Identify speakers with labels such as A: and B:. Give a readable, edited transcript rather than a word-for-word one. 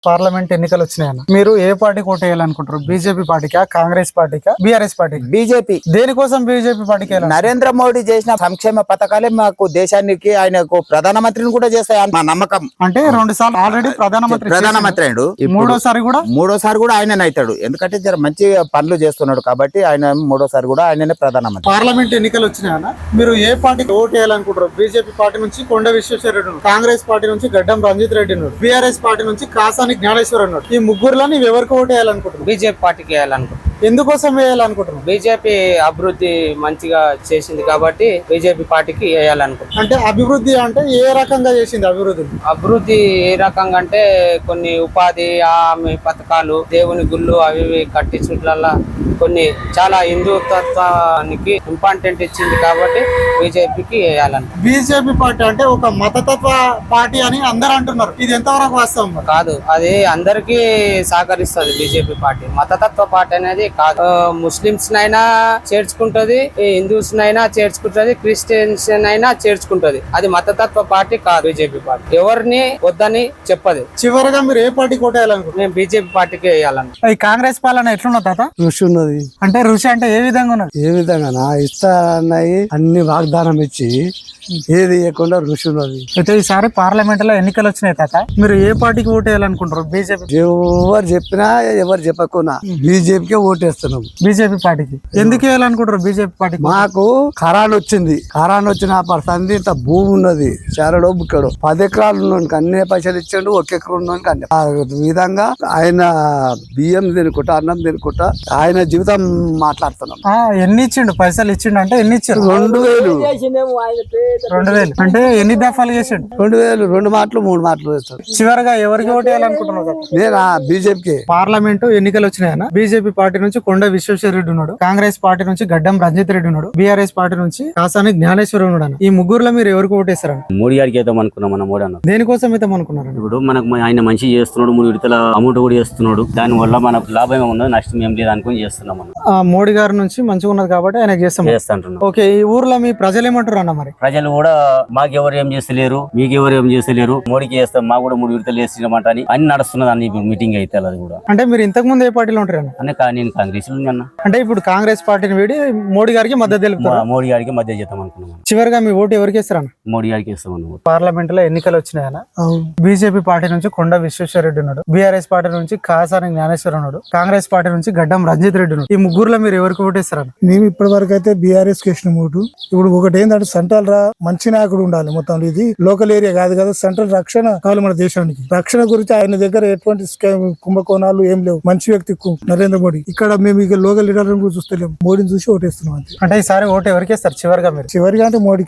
A: Parliament ఎన్నికలు వచ్చినాయన్న, మీరు ఏ పార్టీకి ఓటు వేయాలనుకుంటారు? బీజేపీ పార్టీకా, కాంగ్రెస్ పార్టీకా, బీఆర్ఎస్ పార్టీకి?
B: బీజేపీ.
A: దేనికోసం బీజేపీ పార్టీకి వేయాలి?
B: నరేంద్ర మోడీ చేసిన సంక్షేమ పథకాలే మాకు దేశానికి, ఆయనకు ప్రధానమంత్రిని కూడా చేస్తాయి మా నమ్మకం.
A: అంటే 2 సార్లు ఆల్రెడీ
B: ప్రధానమంత్రి అయ్యాడు, మూడోసారి కూడా ఆయననే అవుతాడు. ఎందుకంటే జర మంచి పనులు చేస్తున్నాడు కాబట్టి ఆయన మూడోసారి కూడా ఆయననే ప్రధానమంత్రి.
A: పార్లమెంట్ ఎన్నికలు వచ్చినాయన్న, మీరు ఏ పార్టీకి ఓటు వేయాలనుకుంటారు? బీజేపీ పార్టీ నుంచి కొండ విశ్వేశ్వర రెడ్డి ఉన్నాడు, కాంగ్రెస్ పార్టీ నుంచి గడ్డం రంజిత్ రెడ్డి ఉన్నాడు, బీఆర్ఎస్ పార్టీ నుంచి కాసాని జ్ఞానేశ్వర్ ఉన్నాడు. ఈ ముగ్గురులో నీవు ఎవరికి ఓటు వేయాలనుకుంటున్నావు?
C: బీజేపీ పార్టీకి వేయాలనుకుంటున్నాను.
A: ఎందుకోసం వేయాలనుకుంటున్నావు?
C: బీజేపీ అభివృద్ధి మంచిగా చేసింది కాబట్టి బీజేపీ పార్టీకి వేయాలనుకుంటున్నాను.
A: అంటే అభివృద్ధి అంటే ఏ రకంగా చేసింది అభివృద్ధి?
C: అభివృద్ధి ఏ రకంగా అంటే కొన్ని ఉపాధి హామీ పథకాలు, దేవుని గుళ్ళు అవి ఇవి కట్టించట్లల్లా కొన్ని చాలా హిందుత్వానికి ఇంపార్టెంట్ ఇచ్చింది కాబట్టి బీజేపీకి వేయాలనుకుంటున్నాను.
A: బీజేపీ పార్టీ అంటే ఒక మతతత్వ పార్టీ అని అందరు అంటున్నారు, ఇది ఎంతవరకు వాస్తవం?
C: కాదు, అది అందరికీ సహకరిస్తుంది బీజేపీ పార్టీ. మతతత్వ పార్టీ అనేది కాదు. ముస్లింస్ నైనా చేర్చుకుంటది, హిందూస్ నైనా చేర్చుకుంటది, క్రిస్టియన్స్ అయినా చేర్చుకుంటది. అది మతతత్వ పార్టీ కాదు బీజేపీ పార్టీ. ఎవరిని వద్దని చెప్పదు.
A: చివరిగా మీరు ఏ పార్టీ కోటేయాలనుకుంటున్నారు?
C: మేము బీజేపీ పార్టీకి వేయాలనుకుంటున్నాం.
A: ఈ కాంగ్రెస్ పాలన ఎట్లున్నది తాత?
D: రుచి ఉన్నది.
A: అంటే రుచి అంటే ఏ విధంగా ఉన్నది?
D: ఏ విధంగా ఇస్తాయి అన్ని వాగ్దానం ఇచ్చి ఏది ఇవ్వకుండా రుచి ఉన్నది.
A: అయితే ఈసారి పార్లమెంట్ లో ఎన్నికలు వచ్చినాయి తాత, మీరు ఏ పార్టీకి ఓటు వేయాలనుకుంటారు? బీజేపీ?
D: ఎవరు చెప్పినా ఎవరు చెప్పకున్నా బీజేపీకే ఓటేస్తున్నాం.
A: బీజేపీ పార్టీకి ఎందుకు వేయాలనుకుంటారు? బీజేపీ పార్టీకి
D: మాకు ఖరాన్ వచ్చింది. ఖరాన్ వచ్చిన సంది ఇంత భూమి ఉన్నది, చారడో బుక్కడో 10 ఎకరాలు ఉన్నోనికి అన్ని పైసలు ఇచ్చాడు, 1 ఎకరం ఉన్నోనికి అన్ని. ఆ విధంగా ఆయన బియ్యం తినుకుంటా, అన్నం తినుకుంటా ఆయన జీవితం మాట్లాడుతున్నాం.
A: ఎన్ని ఇచ్చిండు? పైసలు ఇచ్చిండు అంటే ఎన్ని ఇచ్చారు?
D: 2000.
A: 2000 అంటే ఎన్ని దఫాలు చేసిండు?
D: 2000 2 మాటలు 3 మాటలు వేస్తాడు.
A: చివరిగా ఎవరికి ఓటు వేయాలనుకుంటున్నారు?
D: నేను బీజేపీకి.
A: పార్లమెంట్ ఎన్నికలు వచ్చినాయన్న, బీజేపీ పార్టీ నుంచి కొండ విశ్వేశ్వర రెడ్డి ఉన్నాడు, కాంగ్రెస్ పార్టీ నుంచి గడ్డం రంజిత్ రెడ్డి ఉన్నాడు, బీఆర్ఎస్ పార్టీ నుంచి కాసాని జ్ఞానేశ్వర్ ఉన్నాడు. ఈ ముగ్గురులో మీరు ఎవరికి ఓటేస్తారని?
E: మోడీ గారికి వేద్దాం అనుకున్నాం. మన మోడీ అన్న
A: దేనికోసం అయితే అనుకున్నారు?
E: ఇప్పుడు మనకు ఆయన మంచి చేస్తున్నాడు, 3 విడతల అమౌంట్ కూడా చేస్తున్నాడు. దాని వల్ల మనకు లాభం ఉన్నది, నష్టం ఏం లేదు అనుకుని చేస్తున్నాం మనం.
A: మోడీ గారి నుంచి మంచిగా ఉన్నది కాబట్టి ఆయన చేస్తాం. ఓకే, ఈ ఊర్లో మీ ప్రజలు ఏమంటారు అన్న? మరి
E: ప్రజలు కూడా మాకు ఎవరు ఏం చేస్తలేరు, మీకు ఎవరు ఏం చేస్తలేరు, మోడీకి చేస్తాం, మాకు కూడా 3 విడతలు వేసినమాట అని నడుస్తున్నది అన్ని మీటింగ్ అయితే. అది కూడా
A: అంటే మీరు ఇంతకు ముందు ఏ పార్టీలో ఉంటారు అన్న?
E: నేను కాంగ్రెస్ అన్న.
A: అంటే ఇప్పుడు కాంగ్రెస్ పార్టీని వీడి మోడీ గారికి మద్దతు తెలుపుతారు?
E: మోడీ గారికి మద్దతు చేద్దాం అనుకున్నాం.
A: చివరిగా మీ ఓటు ఎవరికి వేస్తారన్న?
E: మోడీ గారికి వేస్తాం.
A: పార్లమెంట్ లో ఎన్నికలు వచ్చినాయన్న, బీజేపీ పార్టీ నుంచి కొండ విశ్వేశ్వర రెడ్డి ఉన్నాడు, బీఆర్ఎస్ పార్టీ నుంచి కాసాని జ్ఞానేశ్వర్ ఉన్నాడు, కాంగ్రెస్ పార్టీ నుంచి గడ్డం రంజిత్ రెడ్డి ఉన్నాడు. ఈ ముగ్గురులో మీరు ఎవరికి ఓటేస్తారన్న?
F: మేము ఇప్పటి వరకు అయితే బీఆర్ఎస్ కేసిన ఓటు. ఇప్పుడు ఒకటి ఏంటంటే సెంట్రల్ మంచి నాయకుడు ఉండాలి. మొత్తం ఇది లోకల్ ఏరియా కాదు కదా, సెంట్రల్ రక్షణ కావాలి మన దేశానికి. రక్షణ గురించి ఆయన దగ్గర ఎటువంటి కుంభకోణాలు ఏం లేవు. మంచి వ్యక్తి నరేంద్ర మోడీ. ఇక్కడ మేము ఇక లోకల్ లీడర్లను కూడా చూస్తలేము, మోడీని చూసి ఓటేస్తున్నాం అంతే.
A: అంటే ఈసారి ఓటు ఎవరికి వేస్తారు చివరిగా? మీరు
F: చివరిగా అంటే మోడీకి.